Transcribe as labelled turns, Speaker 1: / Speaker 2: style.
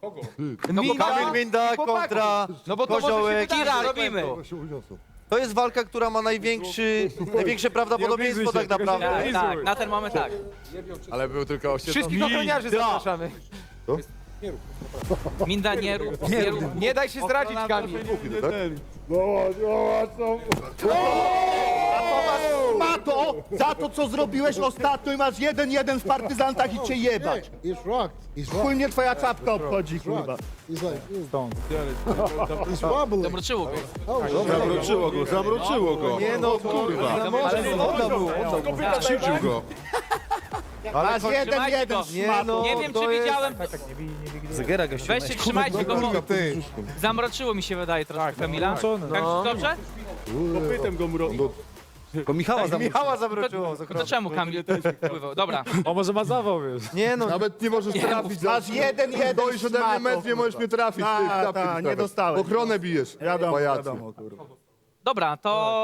Speaker 1: Kamil Minda kontra
Speaker 2: No bo to może się
Speaker 1: Koziołek.
Speaker 2: wydarzyć.
Speaker 3: Kira, robimy.
Speaker 1: To jest walka, która ma największe prawdopodobieństwo tak naprawdę.
Speaker 3: Tak, na ten moment tak.
Speaker 4: Ale był tylko
Speaker 2: Wszystkich ochroniarzy zapraszamy.
Speaker 3: Minda nie rób.
Speaker 2: Nie daj się zdradzić, Kamil.
Speaker 5: Mato, za to co zrobiłeś ostatnio i masz 1-1 w partyzantach i cię jebać.
Speaker 6: He's rocked. He's
Speaker 5: Chuj
Speaker 6: rocked.
Speaker 5: mnie twoja czapka obchodzi, kurwa.
Speaker 6: He's like, he's wobbling.
Speaker 3: Zamroczyło go.
Speaker 4: Zamroczyło go.
Speaker 1: Nie no, kurwa.
Speaker 4: Krzywdził go.
Speaker 5: Masz
Speaker 3: Trzymajcie
Speaker 5: 1-1
Speaker 3: go.
Speaker 5: z
Speaker 1: Nie
Speaker 5: matą.
Speaker 1: no,
Speaker 3: Nie wiem,
Speaker 1: to
Speaker 3: czy
Speaker 1: jest-
Speaker 3: widziałem.
Speaker 1: Zegarek gościu.
Speaker 3: Weźcie, trzymajcie go, bo zamroczyło mi się wydaje troszkę Kamila. Tak, dobrze?
Speaker 1: Bo Michała zawróciło.
Speaker 3: To czemu Kamil wpływał? Dobra.
Speaker 2: O, może ma zawał, wiesz.
Speaker 1: Nie no,
Speaker 4: Nawet nie możesz trafić.
Speaker 5: Masz 1-1
Speaker 4: Stoisz
Speaker 5: z
Speaker 4: ode mnie
Speaker 5: matą.
Speaker 4: metr, nie możesz mnie trafić.
Speaker 5: Ta, nie dostałeś.
Speaker 4: Ochronę bijesz.
Speaker 5: Wiadomo,
Speaker 4: pajacu.
Speaker 5: wiadomo, kurwa.
Speaker 3: Dobra, to